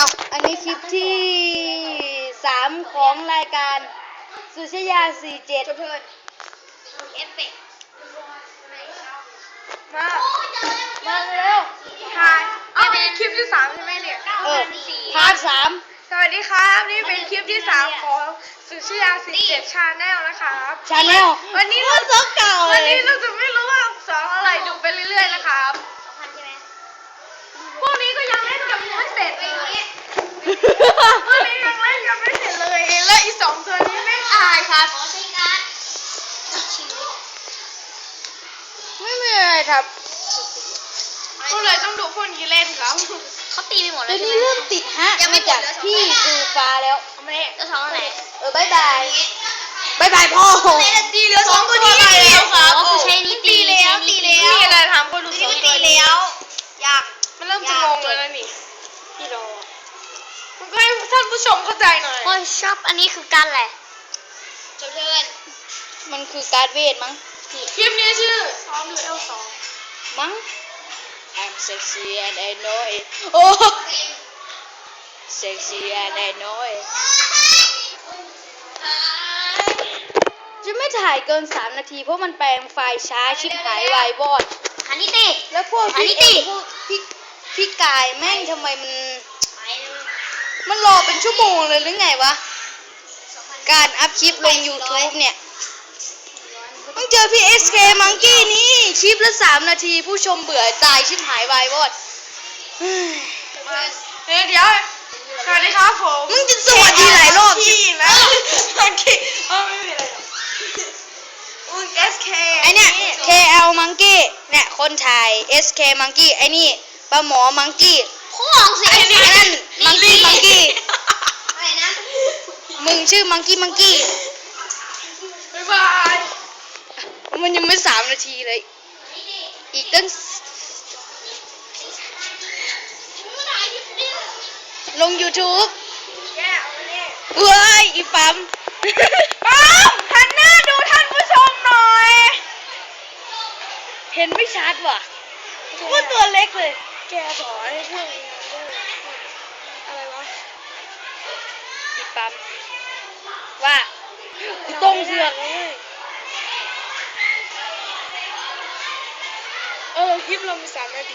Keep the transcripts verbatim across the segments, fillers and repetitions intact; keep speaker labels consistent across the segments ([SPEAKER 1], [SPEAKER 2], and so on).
[SPEAKER 1] เอาอันนี้คลิปที่สามของรายการสุชยาสี่เจ็ดเพื่อนเอฟเฟกมามาเร็วถ่ายเอาเป็นคลิปที่สามใช่ไหมเนี่ยเออพาร์ทสามสวัสดีครับนี่เป็นคลิปที่สามของสุชยาสี่เจ็ดชาแนลนะครับชาแนลวันนี้เราจะเก่าวันนี้เราจะไม่รู้ว่าสองอะไรดูไปเรื่อยๆนะครับพวกนี้ก็ยังเล่นกันไม่เสร็จเลยพวกนี้ยังเล่นกันไม่เสร็จเลยแล้วอีสองตัวนี้ไม่อายครับไม่มีอะไรครับก็เลยต้องดูพวกนี้เล่นครับ
[SPEAKER 2] เขาตีไปหมดแล้ว
[SPEAKER 1] ใช่ไหมเริ่มติดฮะมาจากพี่คือฟ้าแล้ว
[SPEAKER 2] ไม่ได้จะท้องอะไร
[SPEAKER 1] เออบายบายบายบายพ่อ
[SPEAKER 2] ตีเหลือสองตัวนี้แล้วครับคือใช้นี่ตีแล้วตีแล้ว
[SPEAKER 1] มีอะไรทำก็ดูสองตัว
[SPEAKER 2] ตีแล้วยาก
[SPEAKER 1] มันเริ่มจะงงแล้วนี่พี่รอมันก็ให้ท่านผู้ชมเข้าใจหน่อย
[SPEAKER 2] โอ้ยชอบอันนี้คือการอะไรจบเพื่อน
[SPEAKER 1] มันคือการเวทมั้ง
[SPEAKER 2] คลิปนี้ชื่อซ้อมดูเอลสอง
[SPEAKER 1] มั้ง I'm sexy and I know it โอ้ sexy and I know it จะไม่ถ่ายเกินสามนาทีเพราะมันแปลงไฟล์ช้าชิบหายวายวอด
[SPEAKER 2] ฮันนี่ตี
[SPEAKER 1] แล้วพวกพี่เองพวกพี่พี่กายแม่งทำไมมันมันรอเป็นชั่วโมงเลยหรือไงวะการอัพคลิปลง YouTube เนี่ยต้องเจอพี่ เอส เค Monkey นี่คลิปละสามนาทีผู้ชมเบื่อตายชิบหายวายวอด
[SPEAKER 2] เฮ้ยเดี๋ยวสวัสดีครับผม
[SPEAKER 1] มึงจะสวัสดีหลายรอบ
[SPEAKER 2] ที่นะ Monkey เออไม่มีอะไรหรอกมึง เอส เค
[SPEAKER 1] ไอเนี่ย เค แอล Monkey เนี่ยคนถ่าย เอส เค Monkey ไอนี่ปลาหมอ Monkey
[SPEAKER 2] ข้องสิ
[SPEAKER 1] ไอ้นั่น Monkey Monkey
[SPEAKER 2] อะไรนะ
[SPEAKER 1] มึงชื่อ Monkey Monkey
[SPEAKER 2] บ๊ายบาย
[SPEAKER 1] มันยังไม่สามนาทีเลยอีกตั้งลง YouTube เว้ยอีปั๊ม
[SPEAKER 2] ปั๊มหันหน้าดูท่านผู้ชมหน่อย
[SPEAKER 1] เห็นไม่ชัดว่ะว่าตัวเล็กเลย
[SPEAKER 2] แกสอนให้เพื่อนอะไรวะ
[SPEAKER 1] อีปั๊มว่าตรงเสือก
[SPEAKER 2] เออคลิปเรามีสามนาที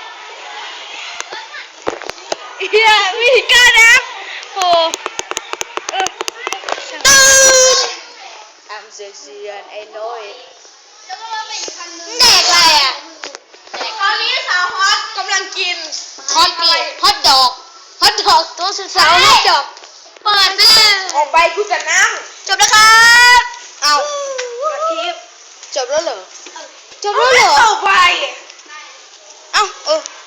[SPEAKER 1] เฮียมีการนะโหเออตื่น I'm sexy and I know it แดกอะไรอ่ะ
[SPEAKER 2] ตอนนี้สาวฮอตกำลังกิน
[SPEAKER 1] ฮอตอะไรฮอตดอกฮอตดอกตัวสุดสาวฮอตดอก
[SPEAKER 2] เปิดซื้อ
[SPEAKER 1] ออกไปกูจะนั่งจบแล้วครับเอาคลิปจบแล้วเหรอจบแล้วเหรอ
[SPEAKER 2] เอาไป
[SPEAKER 1] เอ้าเออ